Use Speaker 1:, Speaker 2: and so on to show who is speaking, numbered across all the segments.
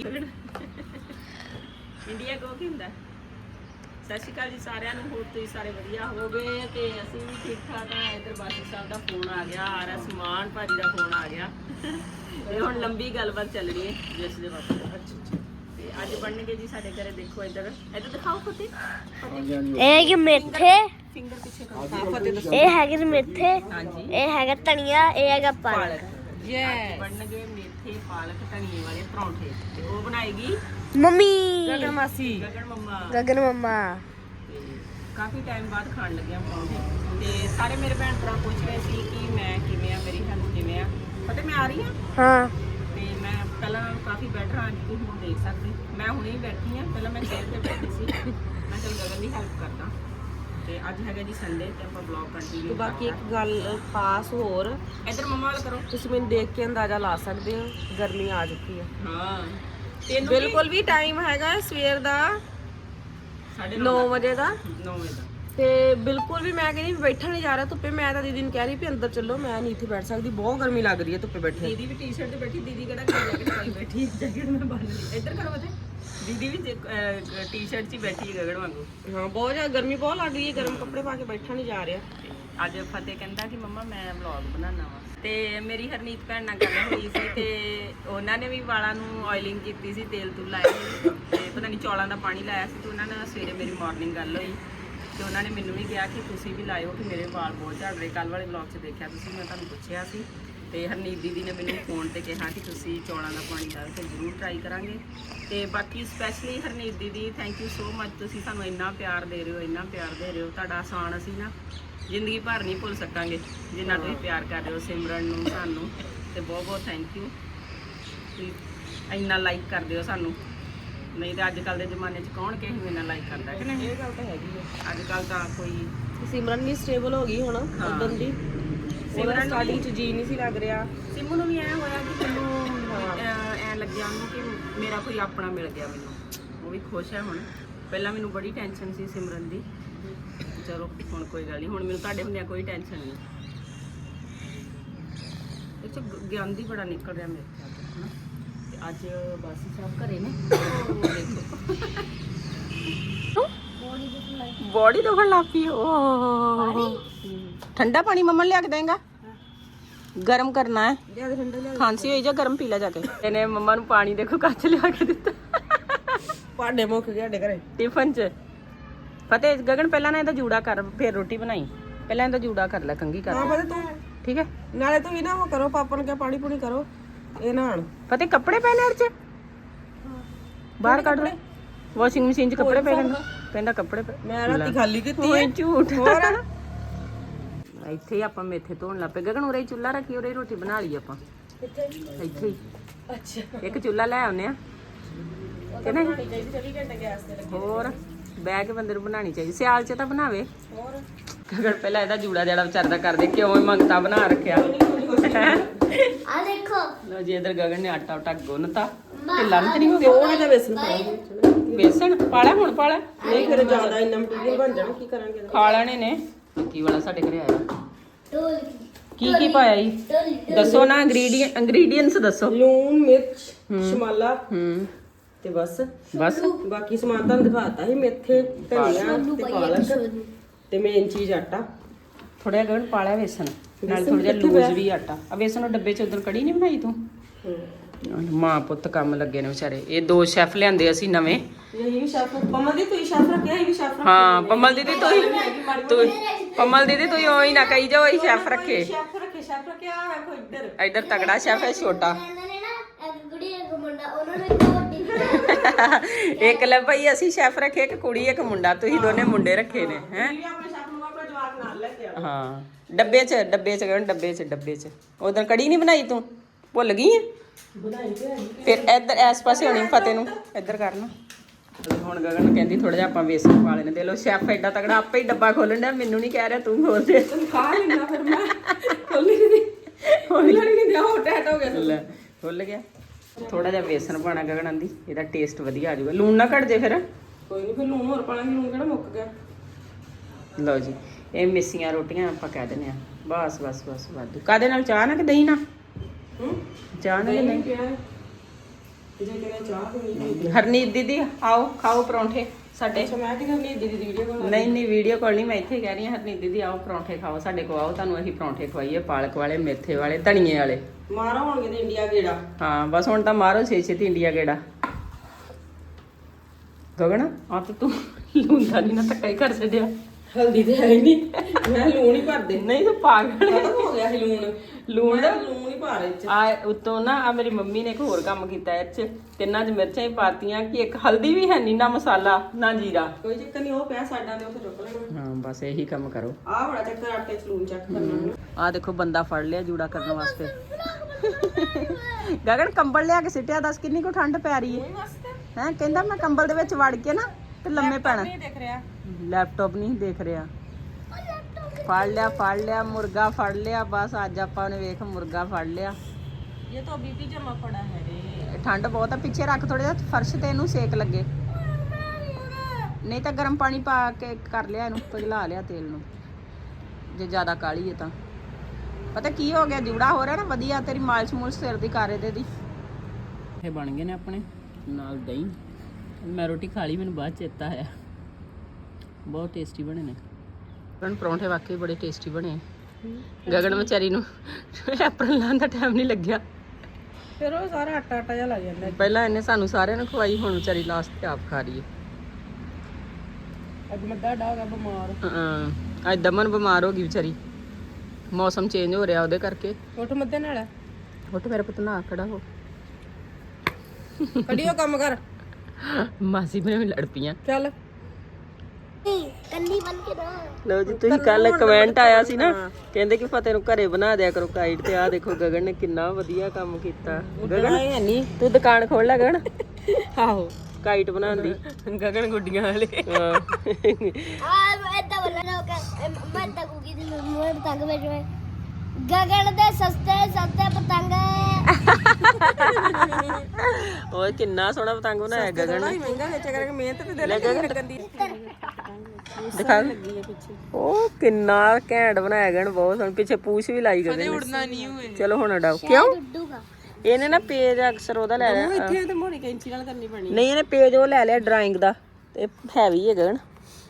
Speaker 1: India ਕੋ ਕੀ ਹੁੰਦਾ। ਸਤਿ ਸ਼੍ਰੀ ਅਕਾਲ ਜੀ ਸਾਰਿਆਂ ਨੂੰ। ਹੋਰ ਤੁਸੀਂ ਸਾਰੇ ਵਧੀਆ ਹੋਵੋਗੇ ਤੇ ਅਸੀਂ ਵੀ ਠੀਕ ਠਾਕ ਆ। ਇੱਧਰ ਬਾਸੀ ਸਾਹਿਬ ਦਾ ਫੋਨ ਆ ਗਿਆ, ਆ ਰਿਹਾ ਸਮਾਨ ਭਾਜੀ ਦਾ ਫੋਨ ਆ ਗਿਆ ਤੇ ਹੁਣ ਲੰਬੀ ਗੱਲਬਾਤ ਚੱਲ ਰਹੀ ਹੈ ਜਿਸ ਦੇ ਵਾਸਤੇ। ਤੇ ਅੱਜ ਬਣਨਗੇ ਜੀ ਸਾਡੇ ਘਰੇ, ਦੇਖੋ ਇੱਧਰ ਦਿਖਾਓ ਫਤਿਹ।
Speaker 2: ਇਹ ਕਿ ਮੇਥੇ,
Speaker 1: ਫਿੰਗਰ ਪਿੱਛੇ ਕਰੋ। ਫਤਿਹ ਦੱਸੋ।
Speaker 2: ਇਹ ਹੈਗੇ ਨੇ ਮੇਥੇ,
Speaker 1: ਹਾਂਜੀ,
Speaker 2: ਇਹ ਹੈਗਾ ਧਨੀਆ, ਇਹ ਹੈਗਾ ਪਾਲਕ।
Speaker 1: ਯੈਸ, ਬਣਨਗੇ ਮੇਥੇ ਪਾਲਕ ਧਨੀਏ ਵਾਲੇ ਪਰੌਂਠੇ ਤੇ ਉਹ ਬਣਾਏਗੀ
Speaker 2: ਮੰਮੀ
Speaker 1: ਗਗਨ ਮਾਸੀ, ਗਗਨ ਮੰਮਾ।
Speaker 2: ਗਗਨ ਮੰਮਾ
Speaker 1: ਤੇ ਕਾਫੀ ਟਾਈਮ ਬਾਅਦ ਖਾਣ ਲੱਗਿਆ ਪਰੌਂਠੇ। ਤੇ ਸਾਰੇ ਮੇਰੇ ਭੈਣ ਭਰਾ ਪੁੱਛ ਰਹੇ ਸੀ ਕਿ ਮੈਂ ਕਿਵੇਂ ਆ, ਮੇਰੀ ਹੈਲਥ ਕਿਵੇਂ ਆ। ਫਤਿਹ ਮੈਂ ਆ ਰਹੀ ਹਾਂ।
Speaker 2: ਹਾਂ,
Speaker 1: ਤੇ ਮੈਂ ਪਹਿਲਾਂ ਕਾਫੀ ਬੈਟਰ ਹਾਂ, ਤੁਸੀਂ ਹੁਣ ਦੇਖ ਸਕਦੇ। ਮੈਂ ਹੁਣੇ ਹੀ ਬੈਠੀ ਹਾਂ, ਪਹਿਲਾਂ ਮੈਂ ਚੇਅਰ ਤੇ ਬੈਠੀ ਸੀ। ਮੈਂ ਚਲ ਗਗਨ ਦੀ ਹੈਲਪ ਕਰਦਾ। ਤੇ ਅੱਜ ਹੈਗਾ ਜੀ ਸੰਡੇ ਤੇ ਆਪਾਂ ਵਲੌਗ ਕੰਟੀਨਿਊ।
Speaker 3: ਬਾਕੀ ਇੱਕ ਗੱਲ ਖਾਸ ਹੋਰ,
Speaker 1: ਇੱਧਰ ਮੰਮਾ ਵੱਲ ਕਰੋ।
Speaker 3: ਤੁਸੀਂ ਮੈਨੂੰ ਦੇਖ ਕੇ ਅੰਦਾਜ਼ਾ ਲਾ ਸਕਦੇ ਹੋ ਗਰਮੀ ਆ ਚੁੱਕੀ ਹੈ।
Speaker 1: ਹਾਂ,
Speaker 3: ਬਿਲਕੁਲ ਵੀ ਟਾਈਮ ਹੈਗਾ ਸਵੇਰ ਦਾ 9 ਵਜੇ ਦਾ
Speaker 1: 9 ਵਜੇ ਦਾ।
Speaker 3: ਤੇ ਬਿਲਕੁਲ ਵੀ ਮੈਂ ਕਹਿੰਦੀ ਬੈਠਾ ਨਹੀਂ ਜਾ ਰਿਹਾ ਧੁੱਪੇ। ਮੈਂ ਤਾਂ ਦੀਦੀ ਨੂੰ ਕਹਿ ਰਹੀ ਵੀ ਅੰਦਰ ਚੱਲੋ, ਮੈਂ ਨਹੀਂ ਇੱਥੇ ਬੈਠ ਸਕਦੀ, ਬਹੁਤ ਗਰਮੀ ਲੱਗ ਰਹੀ ਹੈ ਧੁੱਪੇ ਬੈਠੇ।
Speaker 1: ਦੀਦੀ ਵੀ ਟੀ-ਸ਼ਰਟ ਤੇ ਬੈਠੀ, ਦੀਦੀ ਕਿਹੜਾ ਜੈਕਟ ਪਾਈ ਬੈਠੀ, ਜੈਕਟ ਮੈਂ ਬੰਨ ਲਈ। ਇੱਧਰ ਕਰੋ ਬਤੇ। ਦੀਦੀ ਵੀ ਟੀ-ਸ਼ਰਟ 'ਚ ਹੀ ਬੈਠੀ ਹੈ ਗਗਨ ਵਾਂਗੂ।
Speaker 3: ਹਾਂ, ਬਹੁਤ ਜ਼ਿਆਦਾ ਗਰਮੀ ਬਹੁਤ ਲੱਗ ਰਹੀ ਹੈ, ਗਰਮ ਕੱਪੜੇ ਪਾ ਕੇ ਬੈਠਾ ਨਹੀਂ ਜਾ ਰਿਹਾ।
Speaker 1: ਅੱਜ ਫਤਿਹ ਕਹਿੰਦਾ ਕਿ ਮੰਮਾ ਮੈਂ ਵਲੌਗ ਬਣਾਉਣਾ ਵਾ। ਤੇ ਮੇਰੀ ਹਰਨੀਤ ਭੈਣ ਨਾਲ ਗੱਲ ਹੋਈ ਸੀ ਤੇ ਉਹਨਾਂ ਨੇ ਵੀ ਵਾਲਾਂ ਨੂੰ ਆਇਲਿੰਗ ਕੀਤੀ ਸੀ, ਤੇਲ ਤੂਲ ਲਾਇਆ ਸੀ ਤੇ ਪਤਾ ਨਹੀਂ ਚੌਲਾਂ ਦਾ ਪਾਣੀ ਲਾਇਆ ਸੀ। ਤੇ ਉਹਨਾਂ ਨਾਲ ਸਵੇਰੇ ਮੇਰੀ ਮਾਰਨਿੰਗ ਗੱਲ ਹੋਈ ਤੇ ਉਹਨਾਂ ਨੇ ਮੈਨੂੰ ਵੀ ਕਿਹਾ ਕਿ ਤੁਸੀਂ ਵੀ ਲਾਇਓ ਕਿ ਮੇਰੇ ਵਾਲ ਬਹੁਤ ਝੜ ਰਹੇ। ਕੱਲ੍ਹ ਵਾਲੇ ਵਲੌਗ 'ਚ ਦੇਖਿਆ ਤੁਸੀਂ, ਮੈਂ ਤੁਹਾਨੂੰ ਪੁੱਛਿਆ ਸੀ। ਤੇ ਹਰਨੀਤ ਦੀਦੀ ਨੇ ਮੈਨੂੰ ਫੋਨ ਤੇ ਕਿਹਾ ਕਿ ਤੁਸੀਂ ਚੌਲਾਂ ਦਾ ਪਾਣੀ ਲਾਓ, ਤੇ ਜ਼ਰੂਰ ਟਰਾਈ ਕਰਾਂਗੇ। ਤੇ ਬਾਕੀ ਸਪੈਸ਼ਲੀ ਹਰਨੀਤ ਦੀਦੀ, ਥੈਂਕ ਯੂ ਸੋ ਮਚ। ਤੁਸੀਂ ਸਾਨੂੰ ਇੰਨਾ ਪਿਆਰ ਦੇ ਰਹੇ ਹੋ, ਇੰਨਾ ਪਿਆਰ ਦੇ ਰਹੇ ਹੋ। ਤੁਹਾਡਾ ਆਸਾਨ ਅਸੀਂ ਨਾ ਜ਼ਿੰਦਗੀ ਭਰ ਨਹੀਂ ਭੁੱਲ ਸਕਾਂਗੇ ਜਿੰਨਾ ਤੁਸੀਂ ਪਿਆਰ ਕਰ ਰਹੇ ਹੋ ਸਿਮਰਨ ਨੂੰ, ਸਾਨੂੰ। ਤੇ ਬਹੁਤ ਬਹੁਤ ਥੈਂਕ ਯੂ। ਤੁਸੀਂ ਇੰਨਾ ਲਾਈਕ ਕਰਦੇ ਹੋ ਸਾਨੂੰ, ਨਹੀਂ ਤਾਂ ਅੱਜ ਕੱਲ੍ਹ ਦੇ ਜ਼ਮਾਨੇ 'ਚ ਕੌਣ ਕਿਸੇ ਨੂੰ ਇੰਨਾ ਲਾਈਕ ਕਰਦਾ ਕਿ ਨਹੀਂ।
Speaker 3: ਇਹ ਗੱਲ ਤਾਂ ਹੈਗੀ ਹੈ।
Speaker 1: ਅੱਜ ਕੱਲ੍ਹ ਤਾਂ ਕੋਈ
Speaker 3: ਸਿਮਰਨ ਵੀ ਸਟੇਬਲ ਹੋ ਗਈ ਹੁਣ ਉਦੋਂ ਦੀ। ਸਿਮਰਨ ਸਟਾਰਟਿੰਗ 'ਚ ਜੀ ਨਹੀਂ ਸੀ ਲੱਗ ਰਿਹਾ।
Speaker 1: ਸਿੰਮੂ ਨੂੰ ਵੀ ਐਂ ਹੋਇਆ ਕਿ ਮੈਨੂੰ ਐਂ ਲੱਗਿਆ ਉਹਨੂੰ ਕਿ ਮੇਰਾ ਕੋਈ ਆਪਣਾ ਮਿਲ ਗਿਆ ਮੈਨੂੰ। ਉਹ ਵੀ ਖੁਸ਼ ਹੈ ਹੁਣ। ਪਹਿਲਾਂ ਮੈਨੂੰ ਬੜੀ ਟੈਨਸ਼ਨ ਸੀ ਸਿਮਰਨ ਦੀ। ਚਲੋ ਹੁਣ ਕੋਈ ਗੱਲ ਨਹੀਂ, ਹੁਣ ਮੈਨੂੰ ਤੁਹਾਡੇ ਹੁੰਦਿਆਂ ਕੋਈ ਟੈਨਸ਼ਨ ਨਹੀਂ। ਇਹ 'ਚ ਗੰਦ ਹੀ ਬੜਾ ਨਿਕਲ ਰਿਹਾ ਮੇਰੇ ਖਿਆਲ ਤੋਂ, ਹੈ ਨਾ। ਤੇ ਅੱਜ ਬਾਸੀ ਸਾਹਿਬ ਘਰੇ ਨੇ। ਉਹ ਦੇਖੋ ਬੋਡੀ ਦੁਖਣ ਲੱਗ ਪਈ। ਓਹ ਠੰਡਾ ਪਾਣੀ ਮੰਮਾ ਲਿਆ ਕੇ ਦੇਂਗਾ, ਗਰਮ ਕਰਨਾ ਹੈ।
Speaker 3: ਜਿਆਦਾ ਠੰਡਾ ਲਿਆ,
Speaker 1: ਖਾਂਸੀ ਹੋਈ ਜਾਂ ਗਰਮ ਪੀ ਲੈ ਜਾ ਕੇ। ਇਹਨੇ ਮੰਮਾ ਨੂੰ ਪਾਣੀ ਦੇਖੋ ਕੱਚ ਲਿਆ ਕੇ ਦਿੱਤਾ
Speaker 3: ਭਾਂਡੇ ਮੁੱਕ ਗਏ ਸਾਡੇ ਘਰੇ
Speaker 1: ਟਿਫਨ 'ਚ। ਫਤਿਹ ਗਗਨ ਪਹਿਲਾਂ ਨਾ ਇਹਦਾ ਜੂੜਾ ਕਰ, ਫਿਰ ਰੋਟੀ ਬਣਾਈ। ਪਹਿਲਾਂ ਇਹਦਾ ਜੂੜਾ ਕਰ ਲੈ, ਕੰਘੀ ਕਰ।
Speaker 3: ਹਾਂ ਪਤਾ ਤੂੰ
Speaker 1: ਠੀਕ ਹੈ।
Speaker 3: ਨਾਲੇ ਤੂੰ ਵੀ ਨਾ ਉਹ ਕਰੋ, ਪਾਪਾ ਨੂੰ ਕਿਹਾ ਪਾਣੀ ਪੂਣੀ ਕਰੋ। ਇਹ ਨਹਾਣ
Speaker 1: ਫਤਿਹ ਕੱਪੜੇ ਪਏ ਨੇ ਇਹਦੇ 'ਚ, ਬਾਹਰ ਕੱਢ ਲੈ। ਵਾਸ਼ਿੰਗ ਮਸ਼ੀਨ 'ਚ ਕੱਪੜੇ ਪਏ ਨੇ, ਕਹਿੰਦਾ ਕੱਪੜੇ ਪਏ।
Speaker 3: ਮੈਂ ਰਾਤੀ ਖਾਲੀ ਕੀਤੀ
Speaker 1: ਓਏ
Speaker 3: ਹੈ।
Speaker 1: ਝੂਠ।
Speaker 3: ਹੋਰ
Speaker 1: ਇੱਥੇ ਹੀ ਆਪਾਂ ਮੇਥੇ ਧੋਣ ਲੱਗ ਪਏ। ਗਗਨ ਉਰੇ ਹੀ ਚੁੱਲ੍ਹਾ ਰੱਖੀ, ਉਰੇ ਹੀ ਰੋਟੀ ਬਣਾ ਲਈ ਆਪਾਂ। ਇੱਥੇ ਹੀ
Speaker 3: ਅੱਛਾ,
Speaker 1: ਇੱਕ ਚੁੱਲ੍ਹਾ ਲੈ ਆਉਂਦੇ ਆ ਕਿ ਨਹੀਂ।
Speaker 3: 24 ਘੰਟੇ ਗੈਸ ਤੇ ਲੱਗੇ।
Speaker 1: ਹੋਰ ਬਹਿ ਕੇ ਬੰਦੇ ਨੂੰ ਬਣਾਉਣੀ ਚਾਹੀਦੀ, ਸਿਆਲ 'ਚ ਤਾਂ ਬਣਾਵੇ।
Speaker 3: ਹੋਰ
Speaker 1: ਗਗਨ ਪਹਿਲਾਂ ਇਹਦਾ ਜੂੜਾ ਜਿਹੜਾ ਵਿਚਾਰਦਾ ਕਰਦੇ ਕਿਉਂ ਇਹ ਮੰਗਤਾ ਬਣਾ ਰੱਖਿਆ।
Speaker 2: ਆ ਦੇਖੋ।
Speaker 1: ਲੋ ਜੀ ਇਧਰ ਗਗਨ ਨੇ ਆਟਾ ਉਟਾ ਗੁੰਨਤਾ। ਢਿੱਲਾ ਵੀ ਤਾਂ ਨਹੀਂ ਹੋ ਗਿਆ।
Speaker 3: ਉਹਨੇ ਤਾਂ ਵੇਸਣ ਪਾਇਆ।
Speaker 1: ਬੇਸਣ ਪਾਲਾ, ਹੁਣ ਪਾਲਾ।
Speaker 3: ਨਹੀਂ ਫਿਰ ਜ਼ਿਆਦਾ ਇੰਨਾ ਮਟੀਰੀਅਲ ਬਣ ਜਾਣਾ, ਕੀ ਕਰਾਂਗੇ।
Speaker 1: ਖਾ ਲੈਣੇ ਨੇ। ਕੀ ਵਾਲਾ ਸਾਡੇ ਘਰੇ ਆਇਆ,
Speaker 2: ਢੋਲ
Speaker 1: ਕੀ ਪਾਇਆ ਜੀ ਦੱਸੋ ਨਾ। ਇੰਗਰੀਡੀਐਂਟਸ ਦੱਸੋ।
Speaker 3: ਲੂਣ, ਮਿਰਚ, ਸ਼ਮਾਲਾ ਤੇ ਬਸ ਬਾਕੀ ਸਮਾਨ ਤੁਹਾਨੂੰ ਦਿਖਾਤਾ ਸੀ। ਮੇਥੇ, ਧਨੀਆ ਤੇ ਪਾਲਕ ਤੇ ਮੇਨ ਚੀਜ਼ ਆਟਾ।
Speaker 1: ਥੋੜਾ ਜਿਹਾ ਗਗਨ ਪਾਲਿਆ ਵੇਸਣ ਨਾਲ, ਥੋੜਾ ਜਿਹਾ ਲੂਜ਼ ਵੀ ਆਟਾ। ਆ ਵੇਸਣ ਉਹ ਡੱਬੇ 'ਚ ਉਧਰ ਕੜੀ ਨਹੀਂ ਬਣਾਈ ਤੂੰ। ਮਾਂ ਪੁੱਤ ਕੰਮ ਲੱਗੇ ਨੇ ਵਿਚਾਰੇ। ਇਹ 2 ਸ਼ੈਫ ਲਿਆਂਦੇ ਅਸੀਂ ਨਵੇਂ।
Speaker 3: ਇਹ ਵੀ ਸ਼ੈਫ ਪਮਲ ਦੀ, ਤੁਸੀਂ ਸ਼ੈਫ ਰੱਖਿਆ, ਇਹ ਵੀ ਸ਼ੈਫ ਰੱਖਿਆ।
Speaker 1: ਹਾਂ ਪਮਲ ਦੀਦੀ ਤੂੰ ਪਮਲ ਦੀਦੀ ਤੂੰ ਉਹੀ ਨਾ ਕਹੀ ਜਾਓ, ਉਹੀ ਸ਼ੈਫ ਰੱਖੇ।
Speaker 3: ਸ਼ੈਫ ਰੱਖਿਆ ਹੈ ਕੋਈ ਇੱਧਰ।
Speaker 1: ਇੱਧਰ ਤਗੜਾ ਸ਼ੈਫ ਹੈ, ਛੋਟਾ
Speaker 2: ਇੱਕ ਕੁੜੀ ਇੱਕ ਮੁੰਡਾ, ਉਹਨਾਂ ਨੂੰ ਇੱਕ ਵੱਡੀ
Speaker 1: ਇੱਕ ਲੈ ਭਾਈ ਅਸੀਂ ਸ਼ੈਫ ਰੱਖੇ, ਇੱਕ ਕੁੜੀ ਇੱਕ ਮੁੰਡਾ। ਤੁਸੀਂ ਦੋਨੇ ਮੁੰਡੇ ਰੱਖੇ ਨੇ ਹੈ।
Speaker 3: ਵੀ ਆਪਣੇ ਸ਼ੈਫ ਨੂੰ ਆਪਣਾ ਜਵਾਬ ਨਾਲ ਲੈ ਕੇ ਆ।
Speaker 1: ਹਾਂ ਡੱਬੇ 'ਚ ਗਗਨ, ਡੱਬੇ 'ਚ ਉਧਰ ਕੜੀ ਨਹੀਂ ਬਣਾਈ ਤੂੰ, ਭੁੱਲ ਗਈ ਹੈ।
Speaker 3: ਬਣਾਈ ਤੇ ਹੈ
Speaker 1: ਫਿਰ ਇੱਧਰ ਇਸ ਪਾਸੇ ਹੋਣੀ ਫਤਿਹ ਨੂੰ ਇੱਧਰ ਕਰਨਾ। ਹੁਣ ਗਗਨ ਕਹਿੰਦੀ ਥੋੜਾ ਜਿਹਾ ਆਪਾਂ ਵੇਸਣ ਪਾ ਲੈਣੇ। ਦੇ ਲੋ ਸ਼ੈਫ ਐਡਾ ਤਗੜਾ, ਆਪੇ ਹੀ ਡੱਬਾ ਖੋਲਣ ਡਿਆ, ਮੈਨੂੰ ਨਹੀਂ ਕਹਿ ਰਿਹਾ ਤੂੰ ਖੋਲ ਦੇ।
Speaker 3: ਖਾ ਲੈਣਾ ਫਿਰ ਮੈਂ ਖੋਲੀ ਨਹੀਂ ਦਿਆ, ਹੋ ਟੈਟ ਹੋ ਗਿਆ।
Speaker 1: ਲੈ ਖੁੱਲ ਗਿਆ। ਥੋੜਾ ਜਿਹਾ ਵੇਸਣ ਪਾਣਾ ਗਗਨ ਆਂਦੀ, ਇਹਦਾ ਟੇਸਟ ਵਧੀਆ ਆ ਜਾਊਗਾ। ਲੂਣ ਨਾ ਘਟ ਜੇ ਫਿਰ।
Speaker 3: ਕੋਈ ਨਹੀਂ, ਫਿਰ ਲੂਣ ਹੋਰ ਪਾਲਾਂਗੇ, ਲੂਣ ਕਿਹੜਾ ਮੁੱਕ ਗਿਆ।
Speaker 1: ਲਓ ਜੀ ਇਹ ਮਿੱਸੀਆਂ ਰੋਟੀਆਂ ਆਪਾਂ ਕਹਿ ਦਿੰਦੇ ਆ। ਬਸ ਵਾਧੂ। ਕਾਦੇ ਨਾਲ, ਚਾਹ ਨਾਲ ਕਿ ਦਹੀਂ ਨਾਲ? ਚਾਹ ਨਾਲ ਕਿ ਦਹੀਂ?
Speaker 3: ਤੇ ਜੇ ਕਿਹਨੇ ਚਾਹ ਪੀਣੀ ਹੋਈ
Speaker 1: ਹਰਨੀਤ ਦੀਦੀ ਆਓ ਖਾਓ ਪਰੌਂਠੇ ਸਾਡੇ।
Speaker 3: ਅੱਛਾ ਮੈਂ ਕੀ ਕਰਨੀ ਦੀਦੀ ਦੀ ਵੀਡੀਓ ਬਣਾ
Speaker 1: ਨਹੀਂ ਵੀਡੀਓ ਕਾਲ ਨਹੀਂ, ਮੈਂ ਇੱਥੇ ਕਹਿ ਰਹੀ ਹਾਂ ਹਰਨੀਤ ਦੀਦੀ ਆਓ ਪਰੌਂਠੇ ਖਾਓ ਸਾਡੇ ਕੋਲ, ਆਓ ਤੁਹਾਨੂੰ ਅਸੀਂ ਪਰੌਂਠੇ ਖਵਾਈਏ, ਪਾਲਕ ਵਾਲੇ, ਮੇਥੇ ਵਾਲੇ, ਧਨੀਏ ਵਾਲੇ।
Speaker 3: ਮਾਰਾ ਹੋਣਗੇ ਤੇ ਇੰਡੀਆ ਗੇੜਾ।
Speaker 1: ਹਾਂ ਬਸ ਹੁਣ ਤਾਂ ਮਾਰੋ ਛੇਤੀ ਇੰਡੀਆ ਗੇੜਾ। ਗਗਨ ਆ ਤਾਂ ਤੂੰ ਲੂੰਦਾ ਨਹੀਂ ਨਾ ਧੱਕਾ ਹੀ ਕਰ ਛੱਡਿਆ।
Speaker 3: ਹਲਦੀ ਤੇ ਹੈ ਹੀ ਨਹੀਂ, ਮੈਂ ਲੂਣ ਹੀ ਭਰਦੇ।
Speaker 1: ਨਹੀਂ ਤਾਂ ਪਾਗਲ
Speaker 3: ਖਤਮ ਹੋ ਗਿਆ ਸੀ ਲੂਣ।
Speaker 1: ਲੂਣ
Speaker 3: ਮੈਂ ਲੂਣ ਹੀ ਪਾ ਰਹੇ ਚ।
Speaker 1: ਆ ਉੱਤੋਂ ਨਾ ਆ ਮੇਰੀ ਮੰਮੀ ਨੇ ਇੱਕ ਹੋਰ ਕੰਮ ਕੀਤਾ ਇਹ ਚ, ਤਿੰਨਾਂ ਚ ਮਿਰਚਾਂ ਹੀ ਪਾਤੀਆਂ ਕਿ ਇੱਕ ਹਲਦੀ ਵੀ ਹੈ ਨਹੀਂ, ਨਾ ਮਸਾਲਾ ਨਾ ਜੀਰਾ।
Speaker 3: ਕੋਈ ਚੱਕਰ ਨਹੀਂ, ਉਹ ਪਿਆ ਸਾਡਾ ਤੇ ਉੱਥੇ ਚੁੱਕ ਲੈਣਾ।
Speaker 1: ਹਾਂ ਬਸ ਇਹੀ ਕੰਮ ਕਰੋ।
Speaker 3: ਆਹ ਬੜਾ ਚੱਕਰ ਆਟੇ ਚ ਲੂਣ ਚੱਕ ਕਰਨਾ।
Speaker 1: ਆ ਦੇਖੋ ਬੰਦਾ ਫੜ ਲਿਆ ਜੂੜਾ ਕਰਨ ਵਾਸਤੇ। ਗਗਨ ਕੰਬਲ ਲਿਆ ਕੇ ਸਿੱਟਿਆ, ਦੱਸ ਕਿੰਨੀ ਕੋ ਠੰਡ ਪੈ ਰਹੀ ਹੈ। ਹੈ ਕਹਿੰਦਾ ਮੈਂ ਕੰਬਲ ਦੇ ਵਿੱਚ ਵੜ ਕੇ ਨਾ ਤੇ ਲੰਮੇ ਪੈਣਾ।
Speaker 3: ਨਹੀਂ ਦੇਖ ਰਿਹਾ,
Speaker 1: ਲੈਪਟਾਪ ਨਹੀਂ ਦੇਖ ਰਿਹਾ। ਫੜ ਲਿਆ ਮੁਰਗਾ ਫੜ ਲਿਆ। ਬਸ ਅੱਜ ਆਪਾਂ ਨੇ ਵੇਖ ਮੁਰਗਾ ਫੜ ਲਿਆ।
Speaker 3: ਇਹ ਤਾਂ ਬੀਬੀ ਜਮਾ ਫੜਾ ਹੈ ਰੇ।
Speaker 1: ਠੰਡ ਬਹੁਤ ਆ, ਪਿੱਛੇ ਰੱਖ ਥੋੜਾ ਜਿਹਾ ਫਰਸ਼ ਤੇ ਇਹਨੂੰ ਸੇਕ ਲੱਗੇ। ਨਹੀਂ ਤਾਂ ਗਰਮ ਪਾਣੀ ਪਾ ਕੇ ਕਰ ਲਿਆ ਇਹਨੂੰ, ਪਿਘਲਾ ਲਿਆ ਤੇਲ ਨੂੰ ਜੇ ਜ਼ਿਆਦਾ ਕਾਲੀ ਹੈ ਤਾਂ। ਪਤਾ ਕੀ ਹੋ ਗਿਆ, ਜੂੜਾ ਹੋ ਰਿਹਾ ਨਾ ਵਧੀਆ। ਤੇਰੀ ਮਾਲਿਸ਼ ਮੂਲਿਸ਼ ਸਿਰ ਦੀ ਕਰ ਇਹਦੇ ਦੀ। ਇਹ ਬਣ ਗਏ ਨੇ ਆਪਣੇ ਨਾਲ ਦਹੀਂ। ਮੈਂ ਰੋਟੀ ਖਾ ਲਈ, ਮੈਨੂੰ ਬਾਅਦ ਚੇਤਾ ਆਇਆ। ਬਹੁਤ ਟੇਸਟੀ ਬਣੇ ਨੇ ਪਰੌਂਠੇ, ਵਾਕਈ ਬੜੇ ਟੇਸਟੀ ਬਣੇ। ਗਗਨ ਵਿਚਾਰੀ ਨੂੰ ਐਪਰਨ ਲਾਉਣ ਦਾ ਟਾਈਮ ਨਹੀਂ ਲੱਗਿਆ।
Speaker 3: ਫਿਰ ਉਹ ਸਾਰਾ ਆਟਾ ਜਿਹਾ ਲੱਗ ਜਾਂਦਾ।
Speaker 1: ਪਹਿਲਾਂ ਇਹਨੇ ਸਾਨੂੰ ਸਾਰਿਆਂ ਨੂੰ ਖਵਾਈ, ਹੁਣ ਵਿਚਾਰੀ ਲਾਸਟ ਤੇ ਆਪ ਖਾ ਰਹੀ ਹੈ।
Speaker 3: ਅੱਜ ਮੱਦਾ ਡਾ ਹੋ ਗਿਆ ਬਿਮਾਰ।
Speaker 1: ਅੱਜ ਦਮਨ ਬਿਮਾਰ ਹੋ ਗਈ ਵਿਚਾਰੀ, ਮੌਸਮ ਚੇਂਜ ਹੋ ਰਿਹਾ ਉਹਦੇ ਕਰਕੇ।
Speaker 3: ਉੱਠ ਮੱਦੇ ਨਾਲ,
Speaker 1: ਉੱਠ ਮੇਰੇ ਪੁੱਤ ਨਾ ਖੜਾ ਹੋ।
Speaker 3: ਕੜੀਓ ਕੰਮ ਕਰ।
Speaker 1: ਮਾਸੀ ਮੇਰੇ ਵੀ ਲੜ ਪਈਆਂ।
Speaker 3: ਚੱਲ
Speaker 2: ਕੰਨੀ ਬਣ ਕੇ ਨਾ।
Speaker 1: ਲਓ ਜੀ, ਤੁਸੀਂ ਕੱਲ ਕਮੈਂਟ ਆਇਆ ਸੀ ਨਾ, ਕਹਿੰਦੇ ਕਿ ਫਤਿਹ ਨੂੰ ਘਰੇ ਬਣਾ ਦਿਆ ਕਰੋ ਕਾਈਟ। ਤੇ ਆਹ ਦੇਖੋ ਗਗਨ ਨੇ ਕਿੰਨਾ ਵਧੀਆ ਕੰਮ ਕੀਤਾ। ਗਗਨ
Speaker 3: ਨਹੀਂ
Speaker 1: ਤੂੰ ਦੁਕਾਨ ਖੋਲ ਲੈ ਗਗਨ,
Speaker 3: ਆਹੋ
Speaker 1: ਕਾਈਟ ਬਣਾਉਣ ਦੀ।
Speaker 3: ਗਗਨ ਗੁੱਡੀਆਂ ਵਾਲੇ।
Speaker 1: ਹਾਂ
Speaker 2: ਆ ਐਦਾਂ ਬੋਲਣਾ ਮੈਂ ਤਾਂ ਕੁਕੀ ਦੀ ਮੋੜ ਪਤੰਗ ਵੇਚੋ। ਗਗਨ ਦੇ ਸਸਤੇ ਪਤੰਗ।
Speaker 1: ਓਏ ਕਿੰਨਾ ਸੋਹਣਾ ਪਤੰਗ ਬਣਾਇਆ ਗਗਨ ਨੇ।
Speaker 3: ਮਹਿੰਗਾ ਵੇਚਿਆ ਕਰਕੇ ਮਿਹਨਤ ਤੇ ਦਿਲ ਲੱਗਣ ਦੀ।
Speaker 1: ਦਿਖਾ ਉਹ ਕਿੰਨਾ ਘੈਂਟ ਬਣਾਇਆ ਗਗਨ, ਬਹੁਤ ਸੋਹਣਾ। ਪਿੱਛੇ ਪੂਛ ਵੀ ਲਾਈ ਗਗਨ ਨੇ।
Speaker 3: ਉੜਨਾ ਨਹੀਂ ਹੋਏ।
Speaker 1: ਚਲੋ ਹੁਣ ਉਡਾਓ। ਕਿਉਂ
Speaker 2: ਡੁੱਡੂਗਾ।
Speaker 1: ਇਹਨੇ ਨਾ ਪੇਜ ਅਕਸਰ ਉਹਦਾ ਲੈ ਲਿਆ।
Speaker 3: ਇੱਥੇ ਤੇ ਮੋੜੀ ਕੈਂਚੀ ਨਾਲ ਕਰਨੀ ਪੈਣੀ।
Speaker 1: ਨਹੀਂ ਇਹਨੇ ਪੇਜ ਉਹ ਲੈ ਲਿਆ ਡਰਾਇੰਗ ਦਾ, ਤੇ ਹੈਵੀ ਹੈ ਗਗਨ।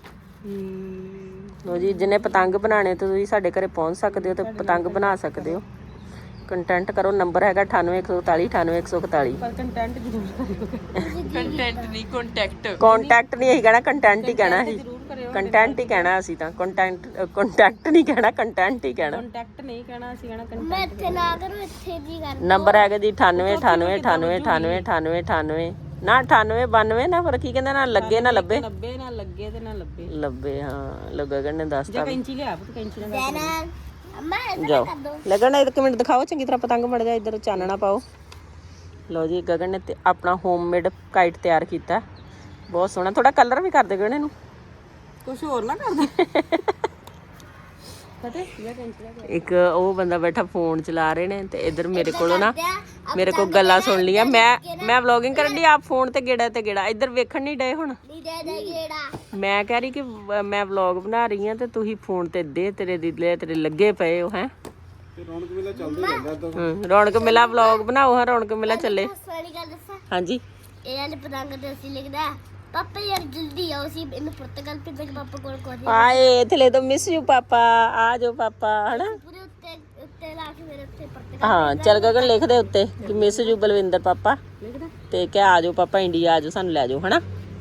Speaker 1: ਲੋ ਜੀ, ਜਿਹਨੇ ਪਤੰਗ ਬਣਾਣੇ ਤੇ ਤੁਸੀਂ ਸਾਡੇ ਘਰੇ ਪਹੁੰਚ ਸਕਦੇ ਹੋ ਤੇ ਪਤੰਗ ਬਣਾ ਸਕਦੇ ਹੋ। ਕੰਟੈਂਟ ਕਰੋ, ਨੰਬਰ ਹੈਗਾ 9814 98141।
Speaker 3: ਪਰ ਕੰਟੈਂਟ ਜ਼ਰੂਰ ਕਰਿਓ। ਕੰਟੈਂਟ ਨਹੀਂ, ਕੰਟੈਕਟ।
Speaker 1: ਕੰਟੈਕਟ ਨਹੀਂ ਅਸੀਂ ਕਹਿਣਾ, ਕੰਟੈਂਟ ਹੀ ਕਹਿਣਾ ਸੀ। ਕੰਟੈਂਟ ਹੀ ਕਹਿਣਾ ਅਸੀਂ ਤਾਂ। ਕੰਟੈਕਟ ਨਹੀਂ ਕਹਿਣਾ, ਕੰਟੈਂਟ ਹੀ ਕਹਿਣਾ।
Speaker 3: ਕੰਟੈਕਟ ਨਹੀਂ ਕਹਿਣਾ, ਅਸੀਂ ਕਹਿਣਾ ਕੰਟੈਂਟ।
Speaker 2: ਮੈਂ ਇੱਥੇ ਨਾ ਕਰੂੰ, ਇੱਥੇ ਜੀ ਕਰ।
Speaker 1: ਨੰਬਰ ਹੈਗਾ ਜੀ 9898989898 ਨਾ 9892 ਨਾ, ਪਰ ਕੀ ਕਹਿੰਦੇ, ਨਾ ਲੱਗੇ ਨਾ ਲੱਭੇ।
Speaker 3: 90 ਨਾ ਲੱਗੇ ਤੇ ਨਾ ਲੱਭੇ।
Speaker 1: ਲੱਭੇ ਹਾਂ, ਲੋ ਗਗਨ ਨੇ ਦੱਸਤਾ।
Speaker 3: ਕੈਂਚੀ ਲਿਆ ਪੁੱਤ, ਕੈਂਚੀ ਨਾਲ
Speaker 2: ਦੇਣਾ ਅੰਮਾ ਇੱਧਰ
Speaker 1: ਜਾਓ
Speaker 2: ਕਰ ਦੋ।
Speaker 1: ਗਗਨ ਇੱਕ ਮਿੰਟ ਦਿਖਾਓ ਚੰਗੀ ਤਰ੍ਹਾਂ ਪਤੰਗ ਮੜ ਜਾ, ਇੱਧਰ ਚਾਨਣਾ ਪਾਓ। ਲਓ ਜੀ, ਗਗਨ ਨੇ ਤੇ ਆਪਣਾ ਹੋਮਮੇਡ ਕਾਈਟ ਤਿਆਰ ਕੀਤਾ, ਬਹੁਤ ਸੋਹਣਾ। ਥੋੜਾ ਕਲਰ ਵੀ ਕਰ ਦੇ ਗਗਨ ਇਹਨੂੰ,
Speaker 3: ਕੁਝ ਹੋਰ ਨਾ ਕਰ ਦੇ। ਪਤਾ ਇਹ ਕੈਂਚੀ ਦਾ
Speaker 1: ਇੱਕ ਉਹ ਬੰਦਾ ਬੈਠਾ ਫੋਨ ਚਲਾ ਰਹੇ ਨੇ ਤੇ ਇੱਧਰ ਮੇਰੇ ਕੋਲੋਂ ਨਾ ਮੇਰੇ ਕੋਲ ਗੱਲਾਂ ਸੁਣ ਲੀਆਂ। ਮੈਂ ਵਲੌਗਿੰਗ ਕਰਨ ਦੀ, ਆਪ ਫੋਨ ਤੇ ਗੇੜਾ ਤੇ ਗੇੜਾ ਇੱਧਰ ਵੇਖਣ ਨਹੀਂ ਡਏ। ਹੁਣ
Speaker 2: ਨਹੀਂ ਦੇ ਗੇੜਾ।
Speaker 1: ਮੈਂ ਕਹਿ ਰਹੀ ਕਿ ਮੈਂ ਵਲੌਗ ਬਣਾ ਰਹੀ ਹਾਂ ਤੇ ਤੁਸੀਂ ਫੋਨ ਤੇ ਤੇਰੇ ਦਿਲੇ ਤੇਰੇ ਲੱਗੇ ਪਏ ਹੋ। ਹੈ
Speaker 3: ਰੌਣਕ ਮੇਲਾ ਚੱਲਦਾ ਰਹਿੰਦਾ।
Speaker 1: ਰੌਣਕ ਮੇਲਾ ਵਲੌਗ ਬਣਾਓ। ਹਾਂ ਰੌਣਕ ਮੇਲਾ ਚੱਲੇ।
Speaker 2: ਸਾਰੀ ਗੱਲ ਦੱਸਾਂ,
Speaker 1: ਹਾਂਜੀ
Speaker 2: ਇਹਨਾਂ ਨੇ ਪਤੰਗ ਤੇ ਅਸੀਂ ਲਿਖਦਾ ਪਾਪਾ ਯਾਰ ਜਲਦੀ ਆਓ, ਅਸੀਂ ਇਹਨੂੰ ਪੁਰਤਗਾਲ ਭੇਜਾਂਗੇ ਪਾਪਾ ਕੋਲ ਕੋਈ।
Speaker 1: ਆਏ ਥਲੇ ਤੋਂ ਮਿਸ ਯੂ ਪਾਪਾ, ਆ ਜਾਓ ਪਾਪਾ। ਹਨਾ
Speaker 2: ਪੂਰੇ ਉੱਤੇ ਲਾ ਕੇ ਮੇਰੇ ਉੱਤੇ ਪੁਰਤਗਾਲ।
Speaker 1: ਹਾਂ ਚੱਲ ਗਗਨ ਲਿਖ ਦੇ ਉੱਤੇ ਕਿ ਮਿਸ ਯੂ ਬਲਵਿੰਦਰ ਪਾਪਾ, ਤੇ ਕਿ ਆ ਜਾਓ ਪਾਪਾ ਇੰਡੀਆ, ਆ ਜਾਓ ਸਾਨੂੰ ਲੈ ਜਾਓ। ਹਨਾ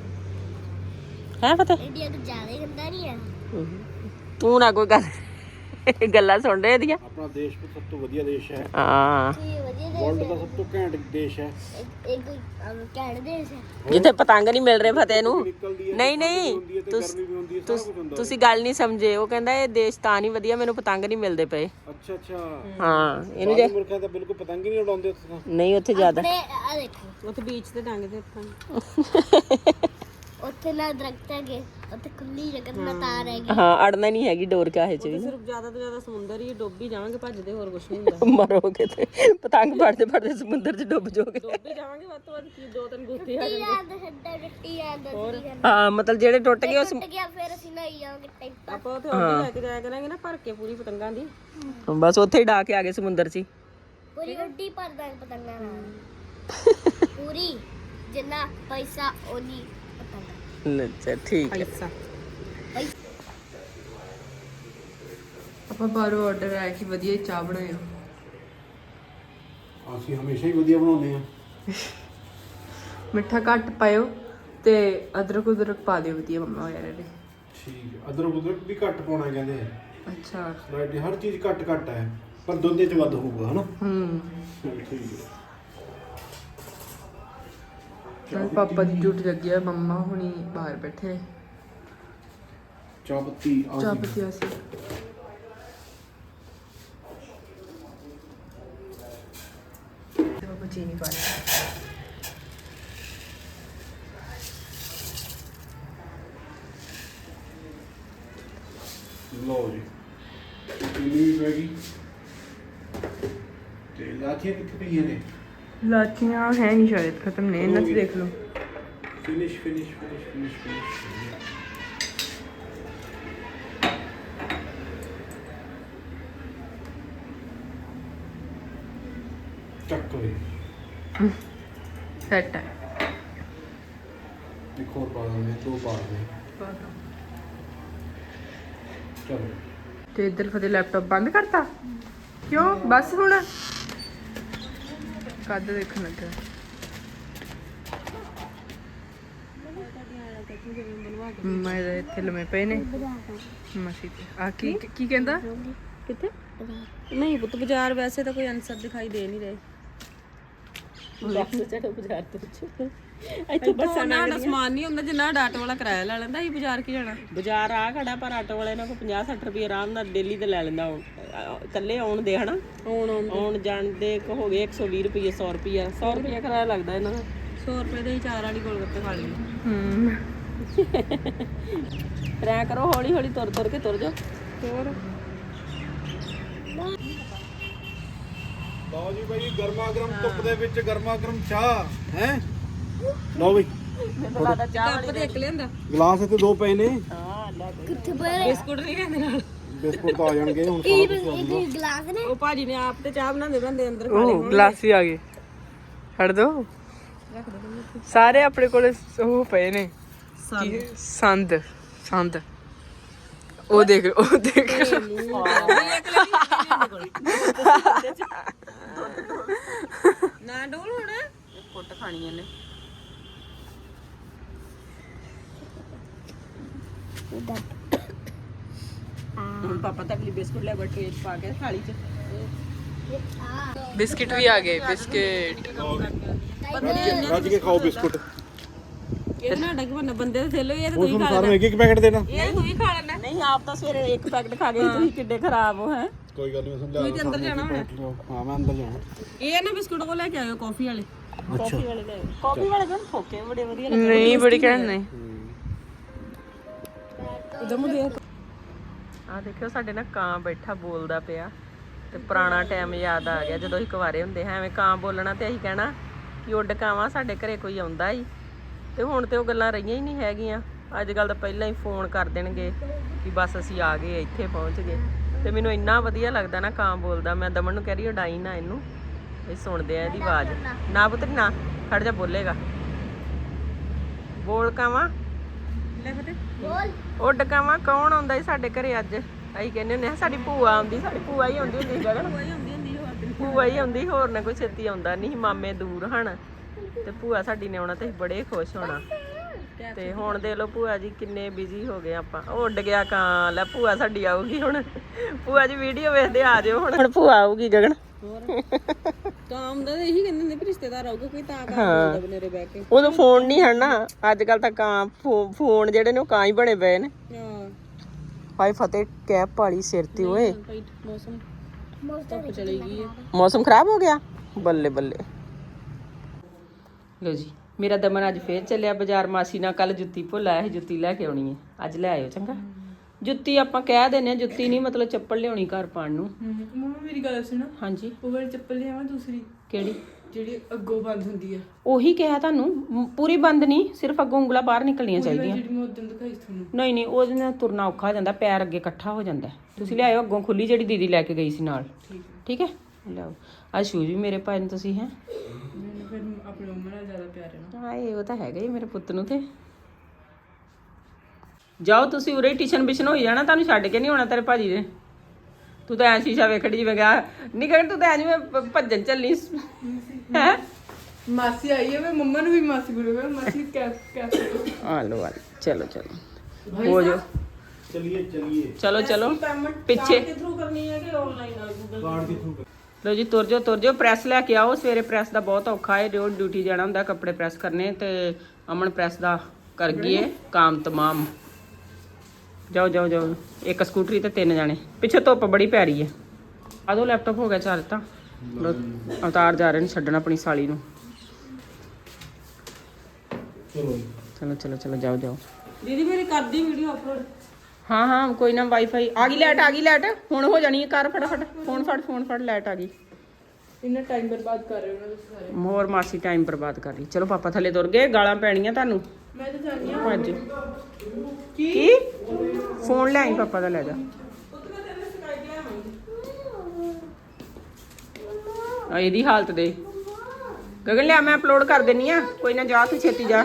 Speaker 1: ਹੈ ਫਤਿਹ,
Speaker 2: ਇੰਡੀਆ ਤੋਂ ਜ਼ਿਆਦਾ ਹੀ ਗੰਦਾ ਨਹੀਂ ਹੈ।
Speaker 1: ਤੂੰ ਨਾ ਕੋਈ ਗੱਲ ਗੱਲਾਂ ਸੁਣ ਰਹੇ ਦੀਆਂ।
Speaker 4: ਆਪਣਾ ਦੇਸ਼ ਸਭ ਤੋਂ ਵਧੀਆ ਦੇਸ਼ ਹੈ।
Speaker 1: ਹਾਂ
Speaker 2: ਇਹ ਵਧੀਆ
Speaker 4: ਵਰਲਡ
Speaker 2: ਦੇਸ਼
Speaker 4: ਦਾ ਸਭ ਤੋਂ ਘੈਂਟ ਦੇਸ਼ ਹੈ।
Speaker 2: ਹੈ। ਇੱਕ ਘੈਂਟ ਦੇਸ਼ ਹੈ।
Speaker 1: ਜਿੱਥੇ ਪਤੰਗ ਨਹੀਂ ਮਿਲ ਰਹੇ ਫਤਿਹ ਨੂੰ।
Speaker 4: ਨਿਕਲਦੀ ਹੈ,
Speaker 1: ਨਹੀਂ ਨਹੀਂ
Speaker 4: ਹੁੰਦੀ ਹੈ ਤੇ ਗਰਮੀ ਵੀ ਹੁੰਦੀ ਹੈ, ਸਾਰਾ ਕੁਝ ਹੁੰਦਾ।
Speaker 1: ਤੁਸੀਂ ਗੱਲ ਨਹੀਂ ਸਮਝੇ। ਉਹ ਕਹਿੰਦਾ ਇਹ ਦੇਸ਼ ਤਾਂ ਨਹੀਂ ਵਧੀਆ, ਮੈਨੂੰ ਪਤੰਗ ਨਹੀਂ ਮਿਲਦੇ ਪਏ।
Speaker 4: ਅੱਛਾ ਅੱਛਾ।
Speaker 1: ਹਾਂ ਇਹਨੂੰ ਜੇ
Speaker 4: ਮੁਲਕਾਂ ਤਾਂ ਬਿਲਕੁਲ ਪਤੰਗ ਹੀ ਨਹੀਂ ਉਡਾਉਂਦੇ ਉੱਥੇ ਤਾਂ।
Speaker 1: ਨਹੀਂ ਉੱਥੇ ਜ਼ਿਆਦਾ
Speaker 2: ਤੇ ਆ ਦੇਖੋ
Speaker 3: ਉੱਥੇ ਬੀਚ ਤੇ ਟੰਗਦੇ ਆਪਾਂ।
Speaker 2: ਉੱਥੇ ਨਾ ਦਰਖਤ ਹੈਗੇ, ਉੱਥੇ ਖੁੱਲੀ ਜਗ੍ਹਾ ਨਾ ਤਾਰ ਹੈਗੀ।
Speaker 1: ਹਾਂ ਅੜਨਾ ਨਹੀਂ ਹੈਗੀ ਡੋਰ ਕਾਹੇ ਚ ਵੀ।
Speaker 3: ਸਿਰਫ ਜ਼ਿਆਦਾ ਤੋਂ ਜ਼ਿਆਦਾ ਸਮੁੰਦਰ ਹੀ ਡੋਬੀ ਜਾਵਾਂਗੇ, ਭੱਜਦੇ ਹੋਰ ਕੁਝ ਨਹੀਂ ਹੁੰਦਾ।
Speaker 1: ਮਰੋਗੇ ਤੇ ਪਤੰਗ ਫੜਦੇ ਫੜਦੇ ਸਮੁੰਦਰ ਚ ਡੁੱਬ ਜਾਓਗੇ।
Speaker 3: ਡੋਬੀ ਜਾਵਾਂਗੇ ਵੱਧ ਤੋਂ ਵੱਧ ਕੀ 2-3 ਗੁੱਥੇ ਆ
Speaker 2: ਟੁੱਟੀ ਜਾਂਦਾ ਛੱਡਾ ਟੁੱਟੀ ਜਾਂਦਾ ਸੀ
Speaker 1: ਹਾਂ ਮਤਲਬ ਜਿਹੜੇ ਟੁੱਟ ਗਏ
Speaker 2: ਟੁੱਟ ਗਿਆ, ਫਿਰ ਅਸੀਂ ਨਹੀਂ ਜਾਵਾਂਗੇ ਟੈਂਪਾ।
Speaker 3: ਆਪਾਂ ਉੱਥੇ ਹੋਰ ਲੈ ਕੇ ਜਾਇਆ ਕਰਾਂਗੇ ਨਾ, ਭਰ ਕੇ ਪੂਰੀ ਪਤੰਗਾਂ ਦੀ।
Speaker 1: ਬਸ ਉੱਥੇ ਹੀ ਡਾ ਕੇ ਆ ਗਏ ਸਮੁੰਦਰ ਚ ਹੀ।
Speaker 2: ਪੂਰੀ ਉੱਡੀ ਭਰ ਦਾਂਗੇ ਪਤੰਗਾਂ ਨਾਲ। ਪੂਰੀ ਜਿੰਨਾ ਪੈਸਾ ਉਹਨੀ ਪਤੰਗ
Speaker 1: ਅੱਛਾ ਠੀਕ ਹੈ
Speaker 5: ਆਪਾਂ ਬਾਹਰੋਂ ਆਰਡਰ ਆਇਆ ਕਿ ਵਧੀਆ ਚਾਹ ਬਣਾਇਓ।
Speaker 4: ਅਸੀਂ ਹਮੇਸ਼ਾ ਹੀ ਵਧੀਆ ਬਣਾਉਂਦੇ ਆ।
Speaker 5: ਮਿੱਠਾ ਘੱਟ ਪਾਇਓ ਤੇ ਅਦਰਕ ਪਾ ਦਿਓ ਵਧੀਆ ਮੰਮਾ ਵਗੈਰਾ ਨੇ।
Speaker 4: ਠੀਕ ਹੈ, ਅਦਰਕ ਵੀ ਘੱਟ ਪਾਉਣਾ ਕਹਿੰਦੇ ਆ।
Speaker 5: ਅੱਛਾ
Speaker 4: ਰਾਈਟ, ਹਰ ਚੀਜ਼ ਘੱਟ ਹੈ, ਪਰ ਦੁੱਧ ਚ ਵੱਧ ਹੋਊਗਾ ਹਨਾ। ਠੀਕ ਹੈ।
Speaker 5: ਨਾਲ ਪਾਪਾ ਦੀ ਡਿਊਟੀ ਲੱਗੀ ਆ, ਮੰਮਾ ਹੁਣੀ ਬਾਹਰ ਬੈਠੇ
Speaker 4: ਚਾਹ ਪੱਤੀ
Speaker 5: ਚਾਹ ਪੀਤੀ ਅਸੀਂ। ਪਾਪਾ ਚੀਨੀ ਪਾ ਲਿਆ।
Speaker 4: ਲਓ ਜੀ, ਚੀਨੀ ਵੀ ਪੈ ਗਈ ਤੇ ਲਾਚੀਆਂ ਕਿੱਥੇ ਪਈਆਂ ਨੇ?
Speaker 5: ਲਾਚੀਆਂ ਹੈ ਨਹੀਂ ਸ਼ਾਇਦ, ਖਤਮ ਨੇ, ਇਹਨਾਂ 'ਚ ਦੇਖ ਲਓ।
Speaker 4: ਫਿਨਿਸ਼ ਚੱਕ ਹੋਈ।
Speaker 5: ਸੈਟ ਹੈ।
Speaker 4: ਇੱਕ ਹੋਰ ਪਾ ਦਿੰਦੇ, 2 ਪਾ ਦਿੰਦੇ। ਚਲੋ
Speaker 5: ਤੇ ਇੱਧਰ ਫਤੇ ਲੈਪਟਾਪ ਬੰਦ ਕਰਤਾ ਕਿਉਂ? ਬਸ ਹੁਣ ਕਦ ਦੇਖਣ ਲੱਗਾ। ਮੈਂ ਇੱਥੇ ਲੰਮੇ ਪਏ ਨੇ ਮਸੀ ਤੇ। ਆ ਕੀ ਕਹਿੰਦਾ?
Speaker 1: ਕਿੱਥੇ ਨਹੀਂ ਪੁੱਤ ਬਾਜ਼ਾਰ ਵੈਸੇ ਤਾਂ ਕੋਈ ਅਨਸਰ ਦਿਖਾਈ ਦੇ ਨਹੀਂ ਰਹੇ। ਬਾਜ਼ਾਰ ਤੋਂ ਇੱਥੇ ਬੱਸਾਂ ਨਾਲ ਸਮਾਨ ਨਹੀਂ ਹੁੰਦਾ ਜਿੰਨਾ ਆਟੋ ਵਾਲਾ ਕਿਰਾਇਆ ਲੈ ਲੈਂਦਾ। ਅਸੀਂ ਬਾਜ਼ਾਰ ਕੀ ਜਾਣਾ? ਬਾਜ਼ਾਰ ਆ ਖੜਾ ਪਰ ਆਟੋ ਵਾਲੇ ਨਾਲ 50-60 ਰੁਪਏ ਆਰਾਮ ਨਾਲ ਡੇਲੀ ਤੇ ਲੈ ਲੈਂਦਾ। ਇਕੱਲੇ ਆਉਣ ਦੇ ਹਨਾ, ਆਉਣ ਜਾਣ ਦੇ ਹੋ ਗਏ 120 ਰੁਪਏ 100 ਰੁਪਏ ਕਿਰਾਇਆ ਲੱਗਦਾ ਇਹਨਾਂ ਦਾ। 100 ਰੁਪਏ ਦੇ ਹੀ 4 ਵਾਲੀ ਗੋਲਗੱਪੇ ਖਾ ਲਈਏ। ਰਹਿ ਕਰੋ ਹੌਲੀ ਹੌਲੀ ਤੁਰ ਕੇ ਤੁਰ ਜਾਓ। ਹੋਰ
Speaker 4: ਲਓ ਜੀ ਬਾਈ, ਗਰਮਾ ਗਰਮ ਧੁੱਪ ਦੇ ਵਿੱਚ ਗਰਮਾ ਗਰਮ ਚਾਹ ਹੈ। ਲਓ ਬਈ,
Speaker 1: ਮੈਨੂੰ ਲੱਗਦਾ ਚਾਹ ਵਾਲੀ ਦੇਖ ਲਿਆਂਦਾ।
Speaker 4: ਗਲਾਸ ਇੱਥੇ 2 ਪਏ ਨੇ।
Speaker 1: ਹਾਂ ਲੈ
Speaker 2: ਕਿੱਥੇ ਪਏ
Speaker 1: ਬਿਸਕੁਟ ਨਹੀਂ ਲੈਂਦੇ ਨਾਲ।
Speaker 4: ਬਿਸਕੁਟ ਤਾਂ ਆ ਜਾਣਗੇ ਹੁਣ।
Speaker 2: ਇੱਕ ਗਲਾਸ ਨੇ
Speaker 1: ਉਹ ਭਾਜੀ ਨੇ ਆਪ ਤੇ ਚਾਹ ਬਣਾਉਂਦੇ ਅੰਦਰ ਖਾ ਲਏ।
Speaker 5: ਉਹ ਗਲਾਸ ਵੀ ਆ ਗਏ, ਛੱਡ ਦੋ। ਸਾਰੇ ਆਪਣੇ ਕੋਲ ਉਹ ਪਏ ਨੇ ਸੰਦ। ਉਹ ਦੇਖ
Speaker 1: ਨਾ ਡੋਲ ਹੁਣ ਕੁੱਟ ਖਾਣੀ ਇਹਨੇ। ਹੁਣ ਪਾਪਾ ਤਾਂ ਅਗਲੀ ਬਿਸਕੁਟ ਲੈ ਬਟਰੇ ਚ ਪਾ ਕੇ ਥਾਲੀ ਚ।
Speaker 5: ਬਿਸਕਿਟ ਵੀ ਆ ਗਏ। ਬਿਸਕਿਟ
Speaker 4: ਰੱਜ ਕੇ ਖਾਓ ਬਿਸਕੁਟ।
Speaker 1: ਇਹਦੇ ਨਾਲ ਡੱਗ ਬੰਨ ਬੰਦੇ ਦੇ ਥੇਲੋ ਇਹ ਤਾਂ
Speaker 4: ਉਹ
Speaker 1: ਤੁਸੀਂ
Speaker 4: ਤੁਹਾਨੂੰ
Speaker 1: ਖਾ
Speaker 4: ਸਾਰਿਆਂ ਨੂੰ
Speaker 1: ਲੈਣਾ।
Speaker 4: ਇੱਕ ਪੈਕਟ ਦੇਣਾ।
Speaker 1: ਇਹ ਤੂੰ ਹੀ ਖਾ ਲੈਣਾ। ਨਹੀਂ ਆਪ ਤਾਂ ਸਵੇਰੇ ਇੱਕ ਪੈਕਟ ਖਾ ਗਏ। ਤੁਸੀਂ ਕਿੱਡੇ ਖਰਾਬ ਹੋ ਹੈ।
Speaker 4: ਕੋਈ ਗੱਲ ਨਹੀਂ, ਮੈਂ ਸਮਝਾ
Speaker 1: ਤੁਸੀਂ ਅੰਦਰ ਜਾਣਾ ਹੁਣ।
Speaker 4: ਹਾਂ ਮੈਂ ਅੰਦਰ ਜਾਣਾ।
Speaker 1: ਇਹ ਨਾ ਬਿਸਕੁਟ ਕੋ ਲੈ ਕੇ ਆਇਓ ਕਾਫੀ ਵਾਲੇ। ਕਾਫੀ ਵਾਲੇ ਲੈ ਆਇਓ। ਕਾਫੀ ਵਾਲੇ ਕੋਲ ਠੋਕੇ ਬੜੇ ਵਧੀਆ
Speaker 5: ਨਹੀਂ, ਬੜੀ ਕਹਿਣ ਨਹੀਂ।
Speaker 1: ਉਧਰ ਨੂੰ ਦੇਖ।
Speaker 5: ਆ ਦੇਖਿਓ ਸਾਡੇ ਨਾਲ ਕਾਂ ਬੈਠਾ ਬੋਲਦਾ ਪਿਆ ਤੇ ਪੁਰਾਣਾ ਟਾਈਮ ਯਾਦ ਆ ਗਿਆ ਜਦੋਂ ਅਸੀਂ ਕੁਆਰੇ ਹੁੰਦੇ ਹਾਂ। ਐਵੇਂ ਕਾਂ ਬੋਲਣਾ ਤੇ ਅਸੀਂ ਕਹਿਣਾ ਕਿ ਉੱਡ ਕਾਵਾਂ ਸਾਡੇ ਘਰੇ ਕੋਈ ਆਉਂਦਾ ਹੀ। ਤੇ ਹੁਣ ਤੇ ਉਹ ਗੱਲਾਂ ਰਹੀਆਂ ਹੀ ਨਹੀਂ ਹੈਗੀਆਂ। ਅੱਜ ਕੱਲ ਤਾਂ ਪਹਿਲਾਂ ਹੀ ਫੋਨ ਕਰ ਦੇਣਗੇ ਕਿ ਬਸ ਅਸੀਂ ਆ ਗਏ, ਇੱਥੇ ਪਹੁੰਚ ਗਏ। ਤੇ ਮੈਨੂੰ ਇੰਨਾ ਵਧੀਆ ਲੱਗਦਾ ਨਾ ਕਾਂ ਬੋਲਦਾ। ਮੈਂ ਦਮਨ ਨੂੰ ਕਹਿ ਰਹੀ ਉਡਾਈ ਨਾ ਇਹਨੂੰ, ਇਹ ਸੁਣਦੇ ਆ ਇਹਦੀ ਆਵਾਜ਼। ਨਾ ਪੁੱਤਰੀ ਨਾ, ਖੜ ਜਾ, ਬੋਲੇਗਾ। ਬੋਲ ਕਾਵਾਂ,
Speaker 1: ਲੈ ਫਤੇ
Speaker 2: ਬੋਲ
Speaker 5: ਉੱਡ ਕਾਵਾਂ। ਕੌਣ ਆਉਂਦਾ ਸੀ ਸਾਡੇ ਘਰੇ ਅੱਜ? ਅਸੀਂ ਕਹਿੰਦੇ ਹੁੰਦੇ ਸਾਡੀ ਭੂਆ ਆਉਂਦੀ। ਸਾਡੀ ਭੂਆ ਹੀ ਆਉਂਦੀ ਹੁੰਦੀ ਸੀ ਗਗਨ। ਭੂਆ ਹੀ ਆਉਂਦੀ, ਹੋਰ ਨਾ ਕੋਈ ਛੇਤੀ ਆਉਂਦਾ ਨਹੀਂ। ਮਾਮੇ ਦੂਰ ਹਨ ਤੇ ਭੂਆ ਸਾਡੀ ਨੇ ਆਉਣਾ ਤੇ ਅਸੀਂ ਬੜੇ ਖੁਸ਼ ਹੋਣਾ। ਤੇ ਹੁਣ ਦੇਖ ਲਓ ਭੂਆ ਜੀ ਕਿੰਨੇ ਬਿਜ਼ੀ ਹੋ ਗਏ ਆਪਾਂ। ਉਹ ਉੱਡ ਗਿਆ ਕਾਂ। ਲੈ ਭੂਆ ਸਾਡੀ ਆਊਗੀ ਹੁਣ। ਭੂਆ ਜੀ ਵੀਡੀਓ ਵੇਖਦੇ ਆ ਜਾਓ ਹੁਣ ਭੂਆ ਆਊਗੀ ਗਗਨ।
Speaker 1: ਕੰਮ ਦਾ ਇਹੀ ਕਹਿੰਦੇ ਨੇ ਵੀ ਰਿਸ਼ਤੇਦਾਰ ਆਊਗਾ ਕੋਈ ਤਾਂ ਕੰਮ ਬਨੇਰੇ ਬਹਿ ਕੇ।
Speaker 5: ਉਦੋਂ ਫੋਨ ਨਹੀਂ ਹਨ ਨਾ, ਅੱਜ ਕੱਲ ਤਾਂ ਕਾਂ ਫੋਨ ਜਿਹੜੇ ਨੇ ਉਹ ਕਾਂ ਹੀ ਬਣੇ ਪਏ ਨੇ।
Speaker 1: ਹਾਂ
Speaker 5: ਹਾਏ ਫਤਿਹ ਕੈਪ ਪਾਲੀ ਸਿਰ ਤੇ ਓਏ।
Speaker 1: ਮੌਸਮ ਧੁੱਪ ਚਲੀ ਗਈ ਹੈ।
Speaker 5: ਮੌਸਮ ਖਰਾਬ ਹੋ ਗਿਆ। ਬੱਲੇ ਬੱਲੇ। ਲੋ ਜੀ, ਮੇਰਾ ਦਮਨ ਅੱਜ ਫੇਰ ਚੱਲਿਆ ਬਾਜ਼ਾਰ। ਮਾਸੀ ਨਾਲ ਕੱਲ ਜੁੱਤੀ ਭੁੱਲ ਆਇਆ ਸੀ, ਜੁੱਤੀ ਲੈ ਕੇ ਆਉਣੀ ਹੈ। ਅੱਜ ਲੈ ਆਇਓ ਚੰਗਾ। ਜੁੱਤੀ ਆਪਾਂ ਕਹਿ ਦਿੰਦੇ ਆ, ਜੁੱਤੀ ਨਹੀਂ ਮਤਲਬ ਚੱਪਲ ਲਿਆਉਣੀ ਘਰ ਪਾਣ ਨੂੰ।
Speaker 6: ਮੰਮਾ ਮੇਰੀ ਗੱਲ ਸੁਣੋ,
Speaker 5: ਹਾਂਜੀ
Speaker 6: ਉਹ ਵਾਲੀ ਚੱਪਲ ਲਿਆਵਾਂ ਦੂਸਰੀ
Speaker 5: ਕਿਹੜੀ?
Speaker 6: ਜਿਹੜੀ ਅੱਗੋਂ ਬੰਦ ਹੁੰਦੀ ਆ,
Speaker 5: ਉਹੀ ਕਿਹਾ ਤੁਹਾਨੂੰ। ਪੂਰੀ ਬੰਦ ਨਹੀਂ, ਸਿਰਫ ਅੱਗੋਂ ਉਂਗਲਾਂ ਬਾਹਰ ਨਿਕਲਣੀਆਂ ਚਾਹੀਦੀਆਂ।
Speaker 6: ਜਿਹੜੀ ਮੈਂ ਉਦੋਂ ਦਿਖਾਈ ਸੀ ਤੁਹਾਨੂੰ।
Speaker 5: ਨਹੀਂ ਨਹੀਂ, ਉਹਦੇ ਨਾਲ ਤੁਰਨਾ ਔਖਾ ਹੋ ਜਾਂਦਾ, ਪੈਰ ਅੱਗੇ ਇਕੱਠਾ ਹੋ ਜਾਂਦਾ। ਤੁਸੀਂ ਲਿਆਇਓ ਅੱਗੋਂ ਖੁੱਲੀ ਜਿਹੜੀ ਦੀਦੀ ਲੈ ਕੇ ਗਈ ਸੀ ਨਾਲ। ਠੀਕ ਹੈ, ਲਿਆਓ। ਆ ਸ਼ੂਜ਼ ਵੀ ਮੇਰੇ ਪਾਏ ਨੇ ਤੁਸੀਂ ਹੈ।
Speaker 6: ਫਿਰ ਆਪਣੇ ਮੰਮਾ ਨਾਲ ਜ਼ਿਆਦਾ ਪਿਆਰ ਹੈ ਨਾ।
Speaker 5: ਹਾਏ ਉਹ ਤਾਂ ਹੈਗਾ ਹੀ ਮੇਰੇ ਪੁੱਤ ਨੂੰ ਤੇ ਜਾਓ ਤੁਸੀਂ ਉਰੇ ਟਿਸ਼ਨ ਬਿਸ਼ਨ ਹੋਈ ਜਾਣਾ, ਤੁਹਾਨੂੰ ਛੱਡ ਕੇ ਨਹੀਂ ਆਉਣਾ ਤੇਰੇ ਭਾਜੀ ਨੇ। ਤੂੰ ਤਾਂ ਐ ਸ਼ੀਸ਼ਾ ਵੇਖੜੀ ਜਿਵੇਂ ਗਿਆ ਨਹੀਂ ਕਹਿਣ, ਤੂੰ ਤਾਂ ਐ ਜਿਵੇਂ ਭੱਜਣ ਚੱਲੀ ਹੈ।
Speaker 6: ਮਾਸੀ ਆਈ ਹੈ, ਮੈਂ ਮੰਮਾ ਨੂੰ ਵੀ ਮਾਸੀ ਬੋਲੂਗਾ। ਮਾਸੀ ਕੈਪ
Speaker 5: ਆ ਲੋ ਚਲੋ ਚਲੋ ਹੋ ਜਾਓ।
Speaker 4: ਚਲਿਏ ਚਲਿਏ
Speaker 5: ਚਲੋ ਚਲੋ ਪਿੱਛੇ
Speaker 3: ਥਰੂ ਕਰਨੀ ਹੈ ਕਿ ਆਨਲਾਈਨ ਨਾਲ ਗੂਗਲ
Speaker 4: ਕਾਰਡ ਦੇ ਥਰੂ
Speaker 5: ਲੋ ਜੀ ਤੁਰ ਜਾਓ ਪ੍ਰੈਸ ਲੈ ਕੇ ਆਓ। ਸਵੇਰੇ ਪ੍ਰੈਸ ਦਾ ਬਹੁਤ ਔਖਾ ਹੈ, ਜੋ ਡਿਊਟੀ ਜਾਣਾ ਹੁੰਦਾ ਕੱਪੜੇ ਪ੍ਰੈਸ ਕਰਨੇ, ਤੇ ਅਮਨ ਪ੍ਰੈਸ ਦਾ ਕਰ ਗਈ ਹੈ ਕੰਮ ਤਮਾਮ। ਜਾਓ ਇੱਕ ਸਕੂਟਰੀ ਤੇ 3 ਜਾਣੇ, ਪਿੱਛੇ ਧੁੱਪ ਬੜੀ ਪੈ ਰਹੀ ਹੈ। ਆ ਦੋ ਲੈਪਟਾਪ ਹੋ ਗਿਆ ਚੱਲ ਤਾਂ। ਲਓ, ਅਵਤਾਰ ਜਾ ਰਹੇ ਨੇ ਛੱਡਣ ਆਪਣੀ ਸਾਲੀ ਨੂੰ। ਚਲੋ ਜਾਓ।
Speaker 3: ਦੀਦੀ ਮੇਰੀ ਕਰਦੀ ਵੀਡੀਓ ਅਪਲੋਡ।
Speaker 5: ਹਾਂ ਕੋਈ ਨਾ, ਵਾਈਫਾਈ ਆ ਗਈ ਲੈਟ ਹੁਣ ਹੋ ਜਾਣੀ ਹੈ। ਕਰ ਫਟਾਫਟ ਫੋਨ ਫੜ ਲਾਈਟ ਆ ਗਈ।
Speaker 6: ਇੰਨਾ ਟਾਈਮ ਬਰਬਾਦ ਕਰ ਰਹੇ ਹੋ ਨਾ ਤੁਸੀਂ ਸਾਰੇ।
Speaker 5: ਮੋਰ ਮਾਸੀ ਟਾਈਮ ਬਰਬਾਦ ਕਰ ਰਹੀ। ਚਲੋ ਪਾਪਾ ਥੱਲੇ ਤੁਰ ਗਏ, ਗਾਲਾਂ ਪੈਣੀਆਂ ਤੁਹਾਨੂੰ।
Speaker 6: ਮੈਂ ਤਾਂ ਜਾਣੀ ਆ।
Speaker 5: ਭੱਜ ਕੀ ਫੋਨ ਲੈ ਆਈ ਪਾਪਾ ਦਾ, ਲੈ ਜਾ। ਆ ਇਹਦੀ ਹਾਲਤ ਦੇ ਗਗਨ ਲਿਆ, ਮੈਂ ਅਪਲੋਡ ਕਰ ਦੇਣੀ ਆ। ਕੋਈ ਨਾ ਜਾ ਤੂੰ ਛੇਤੀ ਜਾ।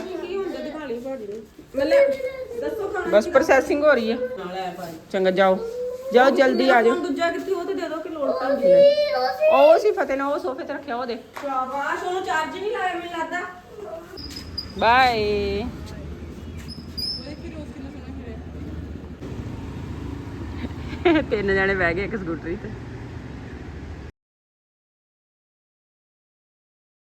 Speaker 5: ਬਸ ਪ੍ਰੋਸੈਸਿੰਗ ਹੋ ਰਹੀ ਹੈ। ਚੰਗਾ ਜਾਓ ਜਲਦੀ ਆ ਜਾਓ।
Speaker 3: ਦੂਜਾ ਕਿੱਥੇ, ਉਹ ਤੇ ਦੇ ਦੋ ਕਿ ਲੋੜ ਤਾਂ
Speaker 5: ਉਹ ਸੀ ਫਤਿਹ ਨੇ ਉਹ ਸੋਫੇ ਤੇ ਰੱਖਿਆ ਉਹਦੇ।
Speaker 3: ਸ਼ਾਬਾਸ਼, ਉਹਨੂੰ ਚਾਰਜ ਨਹੀਂ ਲਾਇਆ ਮੈਨੂੰ ਲੱਗਦਾ।
Speaker 5: ਬਾਏ। ਤਿੰਨ ਜਣੇ ਬਹਿ ਗਏ ਇੱਕ ਸਕੂਟਰੀ ਤੇ।